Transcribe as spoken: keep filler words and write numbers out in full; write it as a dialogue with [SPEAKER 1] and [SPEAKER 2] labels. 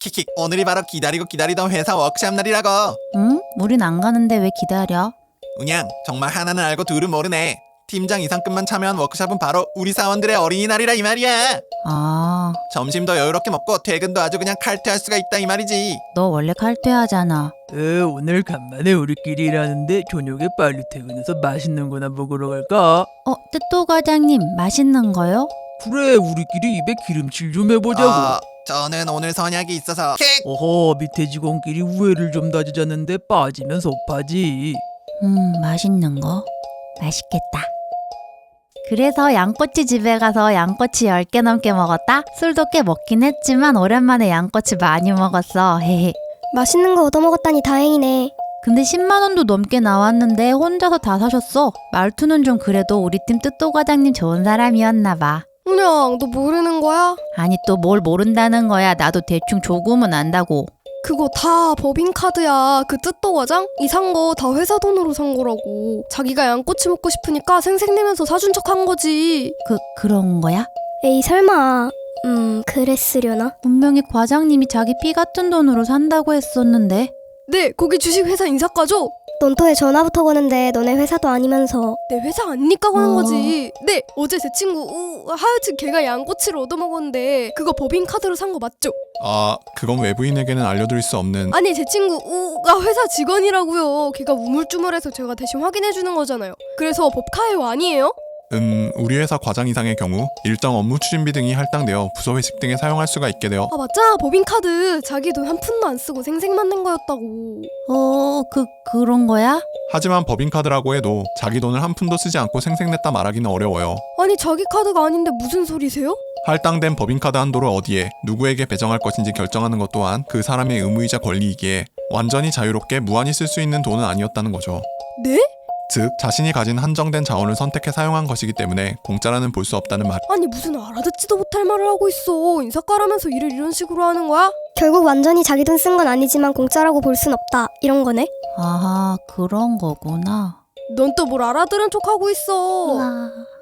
[SPEAKER 1] 킥킥, 오늘이 바로 기다리고 기다리던 회사 워크샵 날이라고.
[SPEAKER 2] 응? 우린 안 가는데 왜 기다려?
[SPEAKER 1] 그냥 정말 하나는 알고 둘은 모르네. 팀장 이상급만 참여한 워크샵은 바로 우리 사원들의 어린이날이라 이 말이야.
[SPEAKER 2] 아,
[SPEAKER 1] 점심도 여유롭게 먹고 퇴근도 아주 그냥 칼퇴할 수가 있다 이 말이지.
[SPEAKER 2] 너 원래 칼퇴하잖아.
[SPEAKER 3] 어, 오늘 간만에 우리끼리 일하는데 저녁에 빨리 퇴근해서 맛있는 거나 먹으러 갈까?
[SPEAKER 2] 어, 뜻도 과장님 맛있는 거요?
[SPEAKER 3] 그래, 우리끼리 입에 기름칠 좀 해보자고.
[SPEAKER 1] 어, 저는 오늘 선약이 있어서 킥!
[SPEAKER 3] 어허, 밑에 직원끼리 우애를 좀 다지자는데 빠지면 섭하지.
[SPEAKER 2] 음, 맛있는 거? 맛있겠다. 그래서 양꼬치 집에 가서 양꼬치 열 개 넘게 먹었다? 술도 꽤 먹긴 했지만 오랜만에 양꼬치 많이 먹었어. 헤헤.
[SPEAKER 4] 맛있는 거 얻어먹었다니 다행이네.
[SPEAKER 2] 근데 십만 원도 넘게 나왔는데 혼자서 다 사셨어. 말투는 좀 그래도 우리 팀 뜻도 과장님 좋은 사람이었나 봐.
[SPEAKER 4] 그냥 너 모르는 거야?
[SPEAKER 2] 아니 또 뭘 모른다는 거야. 나도 대충 조금은 안다고.
[SPEAKER 4] 그거 다 법인카드야. 그 뜻도 과장? 이 산 거 다 회사 돈으로 산 거라고. 자기가 양꼬치 먹고 싶으니까 생색내면서 사준 척 한 거지.
[SPEAKER 2] 그, 그런 거야?
[SPEAKER 4] 에이 설마. 음 그랬으려나?
[SPEAKER 2] 분명히 과장님이 자기 피 같은 돈으로 산다고 했었는데.
[SPEAKER 4] 네, 거기 주식 회사 인사과죠? 넌 또 왜 전화부터 거는데 너네 회사도 아니면서. 내 회사 아니니까 거는
[SPEAKER 2] 어...
[SPEAKER 4] 거지. 네, 어제 제 친구 우, 하여튼 걔가 양꼬치를 얻어먹었는데 그거 법인카드로 산 거 맞죠?
[SPEAKER 1] 아, 그건 외부인에게는 알려드릴 수 없는.
[SPEAKER 4] 아니 제 친구 우가 회사 직원이라고요. 걔가 우물쭈물해서 제가 대신 확인해주는 거잖아요. 그래서 법카예요 아니에요?
[SPEAKER 1] 음, 우리 회사 과장 이상의 경우 일정 업무 추진비 등이 할당되어 부서 회식 등에 사용할 수가 있게 되어.
[SPEAKER 4] 아 맞잖아, 법인카드 자기 돈 한 푼도 안 쓰고 생색만 낸 거였다고.
[SPEAKER 2] 어, 그, 그런 거야?
[SPEAKER 1] 하지만 법인카드라고 해도 자기 돈을 한 푼도 쓰지 않고 생색냈다 말하기는 어려워요.
[SPEAKER 4] 아니 자기 카드가 아닌데 무슨 소리세요?
[SPEAKER 1] 할당된 법인카드 한도를 어디에 누구에게 배정할 것인지 결정하는 것 또한 그 사람의 의무이자 권리이기에 완전히 자유롭게 무한히 쓸 수 있는 돈은 아니었다는 거죠.
[SPEAKER 4] 네?
[SPEAKER 1] 즉 자신이 가진 한정된 자원을 선택해 사용한 것이기 때문에 공짜라는 볼 수 없다는 말.
[SPEAKER 4] 아니 무슨 알아듣지도 못할 말을 하고 있어. 인사과라면서 일을 이런 식으로 하는 거야? 결국 완전히 자기 돈 쓴 건 아니지만 공짜라고 볼 순 없다 이런 거네?
[SPEAKER 2] 아하, 그런 거구나.
[SPEAKER 4] 넌 또 뭘 알아들은 척 하고 있어.
[SPEAKER 2] 우와.